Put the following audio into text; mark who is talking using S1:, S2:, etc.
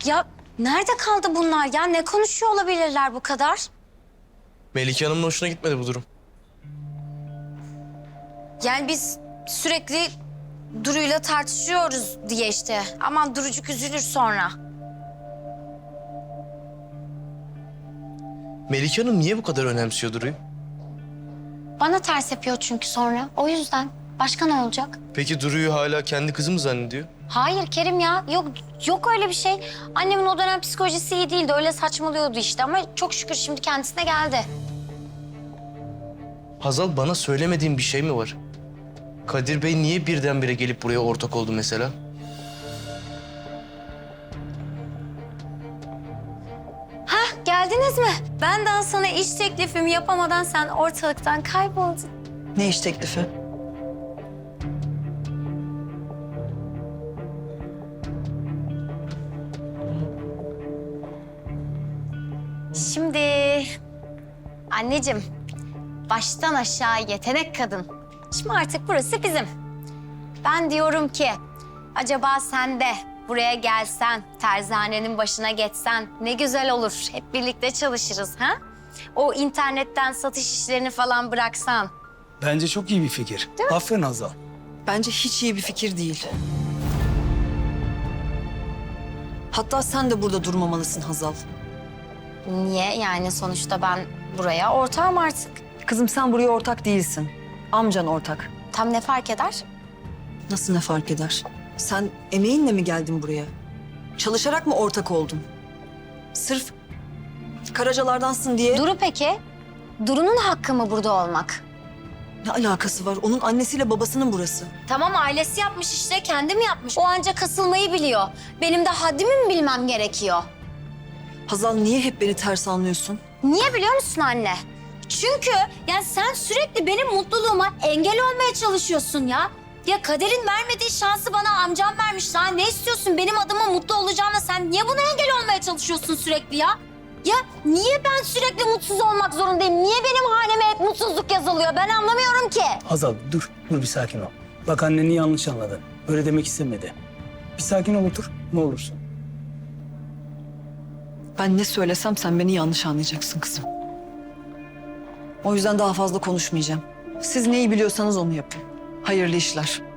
S1: Ya nerede kaldı bunlar ya? Ne konuşuyor olabilirler bu kadar?
S2: Melike Hanım'ın hoşuna gitmedi bu durum.
S1: Yani biz sürekli Duru'yla tartışıyoruz diye işte. Aman Durucuk üzülür sonra.
S2: Melike Hanım niye bu kadar önemsiyor Duru'yu?
S1: Bana ters yapıyor çünkü sonra. O yüzden. Başka ne olacak?
S2: Peki Duru'yu hala kendi kızı mı zannediyor?
S1: Hayır Kerim ya. Yok öyle bir şey. Annemin o dönem psikolojisi iyi değildi. Öyle saçmalıyordu işte ama çok şükür şimdi kendisine geldi.
S2: Hazal, bana söylemediğin bir şey mi var? Kadir Bey niye birdenbire gelip buraya ortak oldu mesela?
S1: Hah, geldiniz mi? Ben daha sana iş teklifimi yapamadan sen ortalıktan kayboldun.
S3: Ne iş teklifi?
S1: Şimdi anneciğim, baştan aşağı yetenek kadın. Şimdi artık burası bizim. Ben diyorum ki acaba sen de buraya gelsen, terzanenin başına geçsen ne güzel olur. Hep birlikte çalışırız ha? O internetten satış işlerini falan bıraksan.
S4: Bence çok iyi bir fikir. Aferin Hazal.
S3: Bence hiç iyi bir fikir değil. Hatta sen de burada durmamalısın Hazal.
S1: Niye? Yani sonuçta ben buraya ortağım artık.
S3: Kızım sen buraya ortak değilsin. Amcan ortak.
S1: Tam ne fark eder?
S3: Nasıl ne fark eder? Sen emeğinle mi geldin buraya? Çalışarak mı ortak oldun? Sırf Karacalardansın diye
S1: Duru peki? Duru'nun hakkı mı burada olmak?
S3: ne alakası var? Onun annesiyle babasının burası.
S1: Tamam ailesi yapmış işte, kendi mi yapmış? O ancak kasılmayı biliyor. Benim de haddimi mi bilmem gerekiyor?
S3: Hazal niye hep beni ters anlıyorsun?
S1: Niye biliyor musun anne? Çünkü yani sen sürekli benim mutluluğuma engel olmaya çalışıyorsun ya. Ya kaderin vermediği şansı bana amcam vermiş. Daha ne istiyorsun? Benim adıma mutlu olacağına sen niye buna engel olmaya çalışıyorsun sürekli ya? Ya niye ben sürekli mutsuz olmak zorundayım? Niye benim haneme hep mutsuzluk yazılıyor? Ben anlamıyorum ki.
S4: Hazal dur bir sakin ol. Bak anneni yanlış anladın. Öyle demek istemedi. Bir sakin ol otur ne olursun.
S3: Ben ne söylesem sen beni yanlış anlayacaksın kızım. O yüzden daha fazla konuşmayacağım. Siz neyi biliyorsanız onu yapın. Hayırlı işler.